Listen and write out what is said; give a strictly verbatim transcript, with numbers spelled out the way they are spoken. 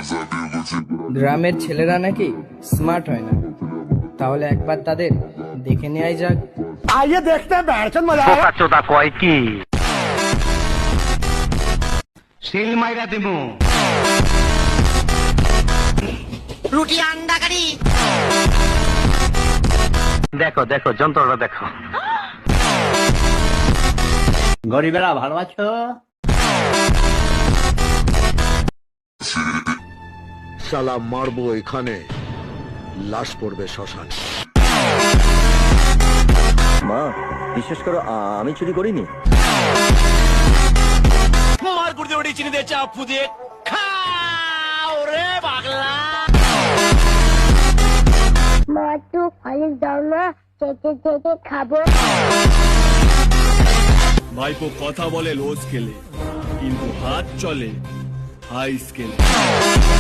গ্রামের ছেলেরা নাকি স্মার্ট হয় না, তাহলে একবার তাদের দেখে নেওয়াই যাক। आइए देखते हैं बैठन मजा आएगा। চোদা কয় কি সিল মাইরা দিমু রুটি আন্ডা কারি। দেখো দেখো যন্ত্রটা দেখো। গরিবেরা ভালো আছো? শালা মারবো এখানে, লাশ পড়বে শ্মশান। মা বিশ্বাস করো আমি চুরি করিনি। मार गुर्दे बड़ी चीनी दे चापू दे खाओ रे पागला। মা তো কলেজ যাও না, চেটে চেটে খাবো। ভাইপো কথা বলে লো স্কেলে, কিন্তু হাত চলে হাই স্কেলে।